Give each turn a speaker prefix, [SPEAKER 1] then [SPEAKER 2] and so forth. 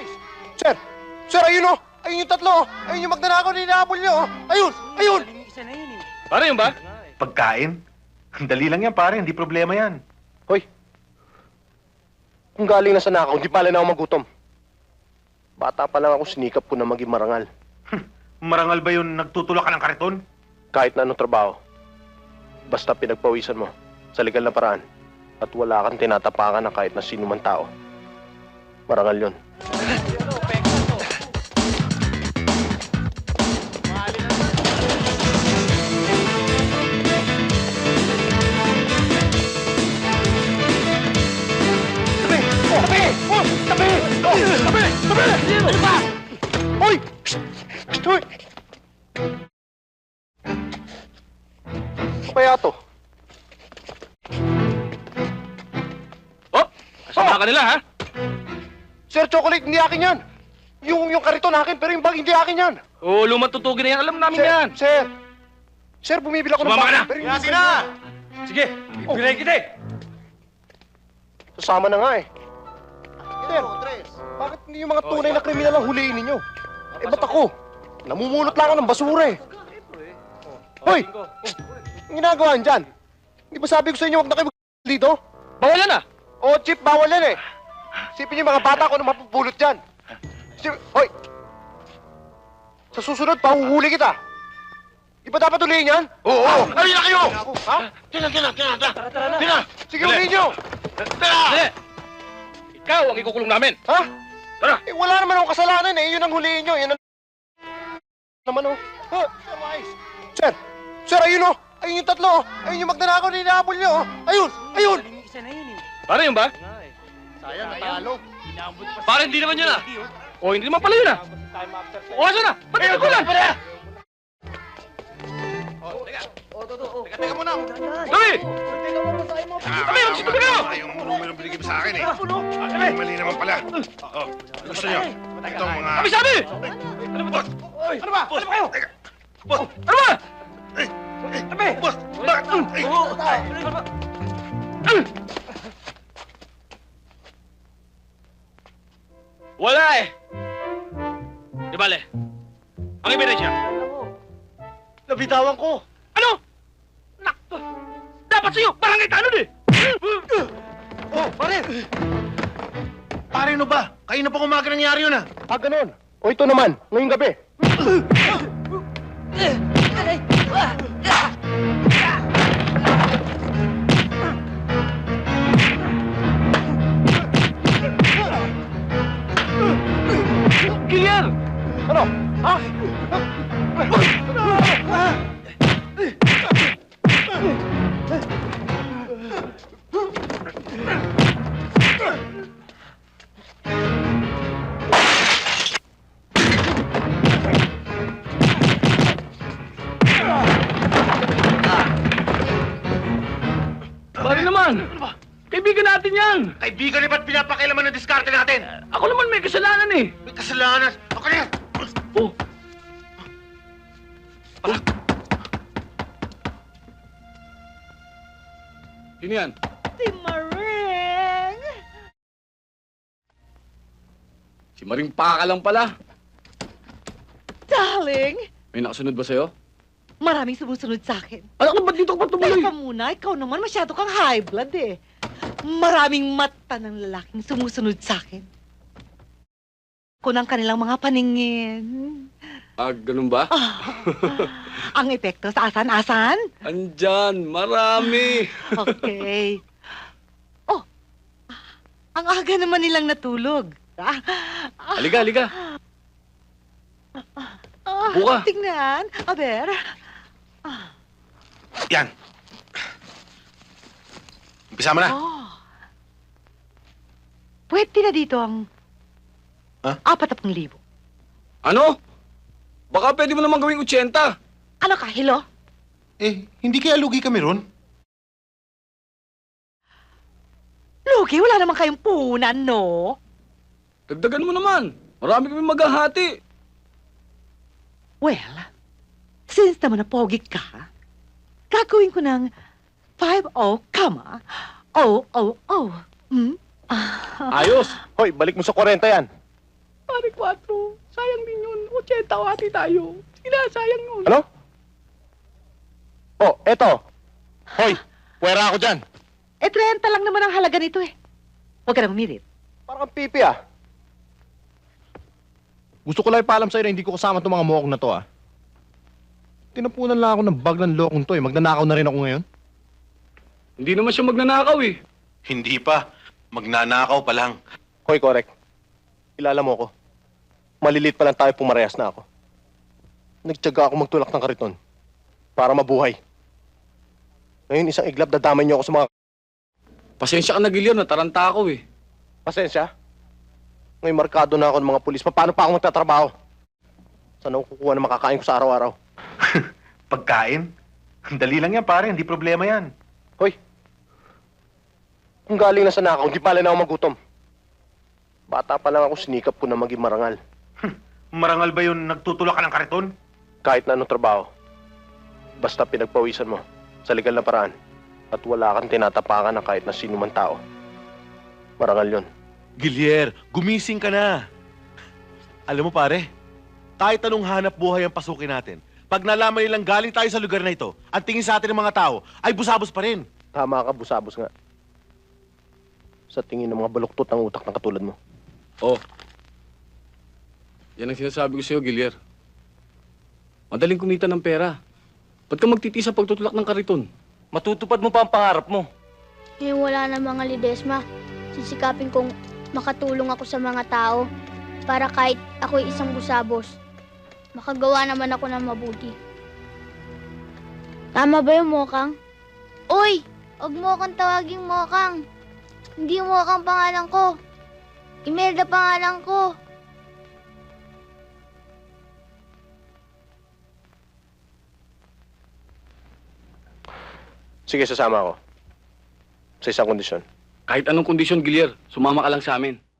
[SPEAKER 1] Sir! Sir, ayun o! Ayun yung tatlo o! Ayun yung magnanakaw na inaabol niyo o! Ayun! Ayun!
[SPEAKER 2] Pare yun ba?
[SPEAKER 3] Pagkain? Ang dali lang yan, pare. Hindi problema yan.
[SPEAKER 1] Hoy! Kung galing na sa nakaw, hindi pala na ako magutom. Bata pa lang ako, sinikap ko na maging marangal.
[SPEAKER 3] Marangal ba yun nagtutulak ka ng kariton?
[SPEAKER 1] Kahit na anong trabaho. Basta pinagpawisan mo sa legal na paraan at wala kang tinatapakan ng kahit na sino man tao. Marangal yun. Ano ba? Hoy! Hoy! Ano kaya to?
[SPEAKER 2] Oh! Kasama ka nila, ha?
[SPEAKER 1] Sir, chocolate, hindi akin yan. Yung kariton akin, pero yung bag hindi akin yan.
[SPEAKER 2] Oo, lumatutugin na yan. Alam namin
[SPEAKER 1] Sir,
[SPEAKER 2] yan.
[SPEAKER 1] Sir! Sir, bumibili ako ng
[SPEAKER 2] Sumama ka na!
[SPEAKER 1] pero yung...
[SPEAKER 2] Yasi na! Sige, bibigay kita eh.
[SPEAKER 1] Sasama na nga eh. Sir, bakit hindi yung mga tunay na kriminal ang huliin ninyo? Eh, ba't ako? Namumulot lang ako ng basura eh. Hoy! Ang ginagawa niyan dyan? Hindi ba sabi ko sa inyo huwag na kayo dito?
[SPEAKER 2] Bawalan na!
[SPEAKER 1] Oo, Chip, bawal yan eh. Sipin niyo yung mga bata ko na mapupulot dyan. Hoy! Sa susunod, pahuhuli kita. Di ba dapat ulihin yan?
[SPEAKER 3] Oo! Ayun na kayo!
[SPEAKER 1] Ha?
[SPEAKER 3] Tina!
[SPEAKER 1] Sige, ulihin niyo!
[SPEAKER 2] Hindi! Ikaw ang ikukulong namin.
[SPEAKER 1] Ha?
[SPEAKER 2] Tara!
[SPEAKER 1] Eh, wala naman akong kasalanan eh. Yun ang hulihin niyo. Yan ang... naman oh. Ha? Sir! Sir, ayun oh! Ayun yung tatlo oh! Ayun yung magnanakaw na inaabol niyo oh! Ayun! Ayun!
[SPEAKER 2] Pare yun ba?
[SPEAKER 1] Sayang, natalo.
[SPEAKER 2] Pare hindi naman yun, ah. O, hindi naman pala yun, ah. O, asa na? Ba't ito ko lang?
[SPEAKER 3] Teka muna!
[SPEAKER 2] Dami! Dami, magsitubi kayo!
[SPEAKER 3] Yung numero binigay mo sa akin eh. Ay, mali naman pala. Oh, gusto niyo? Itong mga...
[SPEAKER 2] Dami sabi!
[SPEAKER 3] Boss!
[SPEAKER 2] Ano ba? Ano ba kayo?
[SPEAKER 3] Teka! Boss!
[SPEAKER 2] Ano ba?
[SPEAKER 3] Dami! Boss! Bakit?
[SPEAKER 2] Wala eh. Di bale. Ang ebidensya.
[SPEAKER 1] Nabitawan ko.
[SPEAKER 2] Ano? Nakto. Dapat sa'yo, barangay tanod eh.
[SPEAKER 1] Oh, pare!
[SPEAKER 3] Pare, ano ba? Kayo na pa umaga nangyari yun ah.
[SPEAKER 1] Ah, ganun. O ito naman, ngayong gabi.
[SPEAKER 2] Clear!
[SPEAKER 1] Ano? Ha?
[SPEAKER 2] Pare naman. Kaibigan natin yan.
[SPEAKER 3] Kaibigan, ba't pinapakailaman ng diskarte natin?
[SPEAKER 2] Ako naman may kasalanan eh.
[SPEAKER 3] May kasalanan. Ako na yan!
[SPEAKER 2] Oh. Sino yan?
[SPEAKER 4] Si Maring!
[SPEAKER 2] Si Maring Paka lang pala.
[SPEAKER 4] Darling,
[SPEAKER 2] May nakasunod ba sa'yo?
[SPEAKER 4] maraming sumusunod sa akin.
[SPEAKER 2] Alam ko, ba't dito ka pa tumuloy?
[SPEAKER 4] Teka muna, ikaw naman masyado kang high blood eh. Maraming mata ng lalaking sumusunod sa akin. Ko ng kanilang mga paningin.
[SPEAKER 2] Ah, ganun ba?
[SPEAKER 4] Ang epekto sa asan-asan?
[SPEAKER 2] Andyan, marami.
[SPEAKER 4] Okay. Oh, ang aga naman nilang natulog.
[SPEAKER 2] Halika, halika. Buka.
[SPEAKER 4] Tingnan. Aber.
[SPEAKER 3] Yan. Umpisa mo na.
[SPEAKER 4] Oh. Pwede na dito ang...
[SPEAKER 3] Ha?
[SPEAKER 4] 40,000.
[SPEAKER 2] Ano? Baka pwede mo naman gawing 80.
[SPEAKER 4] Ano ka, Hilo?
[SPEAKER 3] Eh, hindi kaya lugi kami ron?
[SPEAKER 4] Lugi, wala naman kayong punan, no?
[SPEAKER 2] Dagdagan mo naman. Marami kami maghahati.
[SPEAKER 4] Well, since naman na pogi ka, gagawin ko ng 50, comma, 000. Hmm?
[SPEAKER 2] Ayos.
[SPEAKER 1] Hoy, balik mo sa 40 yan.
[SPEAKER 2] Pare 4, sayang din yun. 80 hati tayo. Sila, sayang yun.
[SPEAKER 1] Ano? Oh, eto. Hoy, puwera ako dyan.
[SPEAKER 4] 30 lang naman ang halaga nito eh. Huwag ka na humirit.
[SPEAKER 1] Parang kang pipi ah. Gusto ko lang ipaalam sa'yo na hindi ko kasama itong mga mokong na to ah. Tinapunan lang ako ng bag ng lokong to eh. Magnanakaw na rin ako ngayon.
[SPEAKER 2] Hindi naman siya magnanakaw eh.
[SPEAKER 3] Hindi pa. Magnanakaw pa lang.
[SPEAKER 1] Hoy, correct. Kilala mo ko. Malilit pa lang tayo pumarehas na ako. Nagtyaga ako magtulak ng kariton. Para mabuhay. Ngayon isang iglap dadamay niyo ako sa mga...
[SPEAKER 2] Pasensya ka na, Gilyar. Nataranta ako eh.
[SPEAKER 1] Pasensya. Ngayon markado na ako ng mga pulis. Paano pa ako magtatrabaho? Saan ako kukuha ng makakain ko sa araw-araw?
[SPEAKER 3] Pagkain? Ang dali lang yan, pare. Hindi problema yan.
[SPEAKER 1] Hoy. Kung galing na sa nakaw, hindi pala na ako magutom. Bata pa lang ako, sinikap ko na maging marangal.
[SPEAKER 3] Marangal ba yun nagtutulak ka ng kariton?
[SPEAKER 1] Kahit na anong trabaho. Basta pinagpawisan mo sa legal na paraan at wala kang tinatapakan ng kahit na sino man tao. Marangal yun.
[SPEAKER 5] Gilier, gumising ka na. Alam mo pare, kahit anong hanap buhay ang pasukin natin, pag nalaman nilang galing tayo sa lugar na ito, ang tingin sa atin ng mga tao ay busabos pa rin.
[SPEAKER 1] Tama ka, busabos nga. Sa tingin ng mga baluktot ng utak ng katulad mo.
[SPEAKER 2] Oh. Yan ang sinasabi ko sa'yo, Gilyar. Madaling kumita ng pera. Ba't ka magtitiis sa pagtutulak ng kariton? Matutupad mo pa ang pangarap mo.
[SPEAKER 6] Ngayon wala na mga Lidesma. Sisikapin kong makatulong ako sa mga tao para kahit ako'y isang busabos, makagawa naman ako ng mabuti. Tama ba yung Mokang? Uy! Huwag mo akong tawaging Mokang. Hindi Mokang pangalan ko. Imelda pangalan ko.
[SPEAKER 1] Sige, sasama ako. Sa isang kondisyon.
[SPEAKER 2] Kahit anong kondisyon, Gilyar, sumama ka lang sa amin.